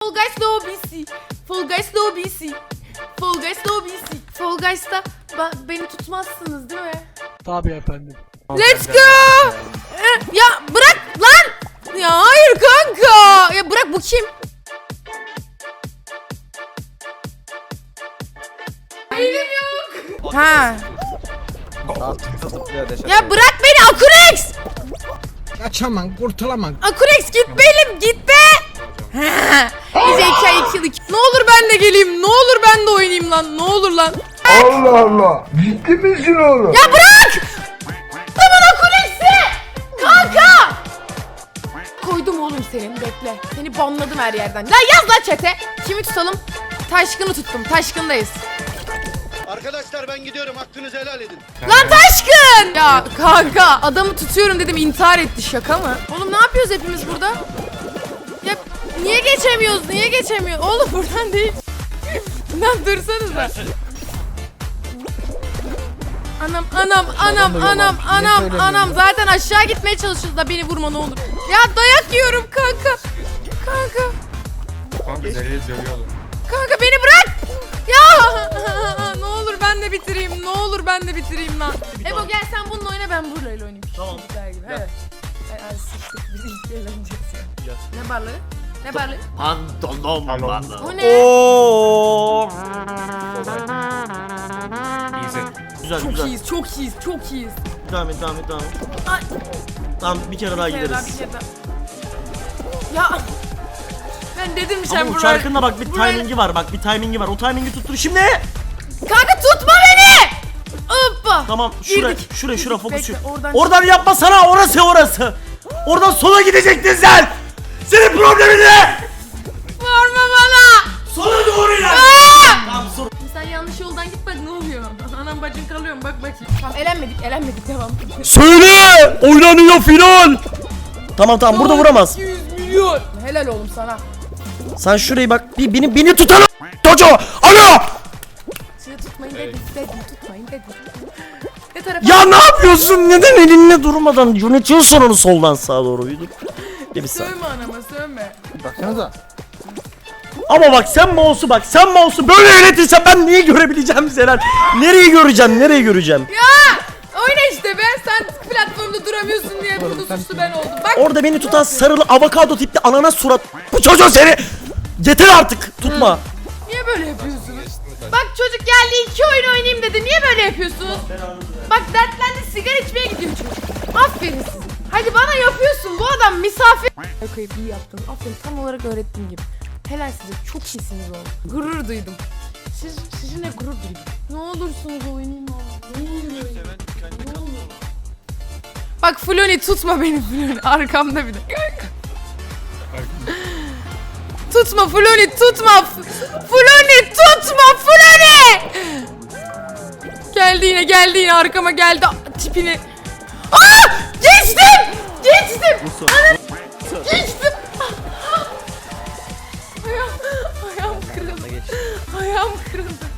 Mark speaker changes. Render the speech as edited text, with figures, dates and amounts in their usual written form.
Speaker 1: Fall Guys lobisi. Fall Guys lobisi. Fall Guys lobisi. Fall Guys'ta beni tutmazsınız değil mi?
Speaker 2: Tabii efendim.
Speaker 1: Let's go. Ya bırak lan. Ya hayır kanka. Ya bırak, bu kim? Elim yok. Ha. Ya bırak beni Akurex.
Speaker 2: Kaçamam, kurtulamam.
Speaker 1: Akurex git benim, git be. İyice 2 yıllık. Ne olur ben de geleyim. Ne olur ben de oynayayım lan. Ne olur lan.
Speaker 3: Allah Allah. Ciddi misin oğlum?
Speaker 1: Ya bırak. Tamam Akurex'i. Kanka. Koydum oğlum senin, bekle. Seni banladım her yerden. Lan yaz lan chat'e. Kimi tutalım? Taşkın'ı tuttum. Taşkın'dayız.
Speaker 4: Arkadaşlar ben gidiyorum, hakkınızı helal edin.
Speaker 1: Lan Taşkın! Ya kanka adamı tutuyorum dedim, intihar etti, şaka mı? Oğlum ne yapıyoruz hepimiz burada? Ya niye geçemiyoruz? Niye geçemiyoruz? Oğlum buradan değil. Lan dursanıza. Anam zaten aşağı gitmeye çalışıyoruz da beni vurma ne olur. Ya dayak yiyorum kanka. Kanka beni bırak. Ya ne olur ben de bitireyim. Ne olur ben de bitireyim lan. Ebo gel sen bununla oyna, ben burayla oynayayım.
Speaker 5: Tamam.
Speaker 1: Evet. Ay sıçtık, biz ilk eğleneceğiz ya. Ne barları? Ne barları?
Speaker 5: Pantolon barları.
Speaker 1: O ne?
Speaker 5: Oo. Güzel
Speaker 1: Çok
Speaker 5: güzel.
Speaker 1: iyiyiz, çok iyiyiz, çok iyiyiz.
Speaker 5: Devam et.
Speaker 1: Ay.
Speaker 5: Tamam bir kere daha
Speaker 1: Bir kere
Speaker 5: gideriz.
Speaker 1: daha, bir kere daha. Ya ben dedim sen
Speaker 5: Ama bu
Speaker 1: burayı.
Speaker 5: şarkında bak bir timingi var, O timingi tuttur şimdi.
Speaker 1: Kanka tutma beni. Hoppa.
Speaker 5: Tamam
Speaker 1: Girdik.
Speaker 5: şura fokus.
Speaker 1: Bekle,
Speaker 5: Oradan yapma sana, orası. Oradan sola gidecektin sen. Senin problemin ne?
Speaker 1: Vurma bana.
Speaker 5: Sola doğru ilerle.
Speaker 1: Aa!
Speaker 5: Tamam sonra.
Speaker 1: Sen yanlış yoldan git bak ne oluyor. Anam bacın kalıyor mu bak bakayım. Tamam elenmedik devam.
Speaker 5: Söyle! Oynanıyor final! Tamam burada vuramaz.
Speaker 1: 100 milyon. Helal oğlum sana.
Speaker 5: Sen şurayı bak, beni tutalım çocuğu! Alo!
Speaker 1: Sizi tutmayın dedim tutmayın dedim. Ne tarafa?
Speaker 5: Ya ne yapıyorsun? Neden elinle durmadan yönetiyorsun onu soldan sağa doğru? Bir saniye.
Speaker 1: Sövme anama sövme.
Speaker 2: Baksanıza.
Speaker 5: Ama bak sen mouse'u böyle yönetirsen ben neyi görebileceğim Zeren? Nereyi göreceğim?
Speaker 1: Ya oyna işte be, sen platformda duramıyorsun diye burada suçlu ben oldum. Bak
Speaker 5: Orada beni tutan sarılı avokado tipli ananas surat. Bu çocuğu seni! Yeter artık! Tutma!
Speaker 1: niye böyle yapıyorsunuz? Bak çocuk geldi 2 oyun oynayayım dedi, niye böyle yapıyorsunuz? Bak dertlendi, sigara içmeye gidiyor çocuk. Aferin size. Hadi bana yapıyorsun, bu adam misafir. Koyup iyi yaptın, aferin, tam olarak öğrettiğim gibi. Helal size, çok iyisiniz oğlum. Gurur duydum. Sizinle gurur duydum. Ne olursunuz oynayın oğlum. Ne olur. Bak Floni tutma beni Floni, arkamda bir de. Tutma Floni, tutma. Floni tutma Floni. Geldi yine arkama geldi tipini. Aa! Geçtim. Geçtim. Ayağım kırıldı. Ayağım kırıldı.